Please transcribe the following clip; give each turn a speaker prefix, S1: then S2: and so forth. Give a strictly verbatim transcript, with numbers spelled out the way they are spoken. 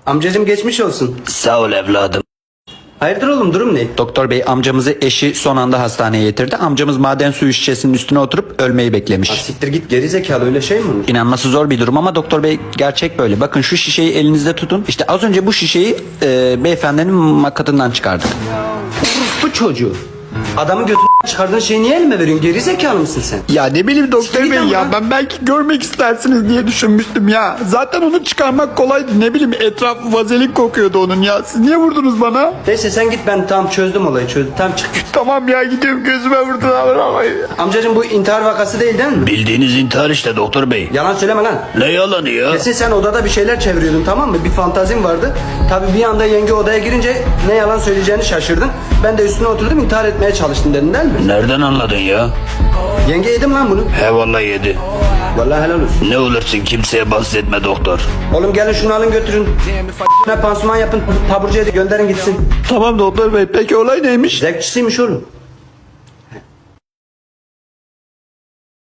S1: Amcacım geçmiş olsun.
S2: Sağ ol evladım.
S1: Hayırdır oğlum, durum ne?
S3: Doktor bey, amcamızı eşi son anda hastaneye getirdi. Amcamız maden suyu şişesinin üstüne oturup ölmeyi beklemiş.
S1: Ha, siktir git, geri zekalı, öyle şey mi olur?
S3: İnanması zor bir durum ama doktor bey, gerçek böyle. Bakın şu şişeyi elinizde tutun. İşte az önce bu şişeyi e, beyefendinin makatından çıkardık.
S1: Bu çocuğu. Adamı götünden çıkardığın şeyi niye elime veriyorsun? Geri zekalı mısın sen?
S4: Ya ne bileyim doktor
S1: Siktir
S4: bey
S1: git
S4: ya,
S1: ama.
S4: ben belki görmek istersiniz diye düşünmüştüm ya. Zaten onu çıkarmak kolaydı, ne bileyim etrafı vazelin kokuyordu onun ya. Siz niye vurdunuz bana?
S1: Neyse sen git, ben tam çözdüm olayı, çözdüm. Tam çık.
S4: Tamam ya, gidiyorum, gözüme vurdular ama.
S1: Amcacım bu intihar vakası değil değil mi?
S2: Bildiğiniz intihar işte doktor bey.
S1: Yalan söyleme lan.
S2: Ne yalanı ya?
S1: Kesin sen odada bir şeyler çeviriyordun, tamam mı? Bir fantazin vardı. Tabii bir anda yenge odaya girince ne yalan söyleyeceğini şaşırdın. Ben de üstüne oturdum, intihar etmeye çalıştım dedin değil mi?
S2: Nereden anladın ya?
S1: Yenge yedim lan bunu.
S2: He vallahi yedi.
S1: Vallahi helal olsun.
S2: Ne olursun kimseye bahsetme doktor.
S1: Oğlum gelin şunu alın götürün. Ne pansuman yapın, taburcuya da gönderin gitsin.
S4: Tamam doktor bey, peki olay neymiş?
S1: Zevkçisiymiş oğlum.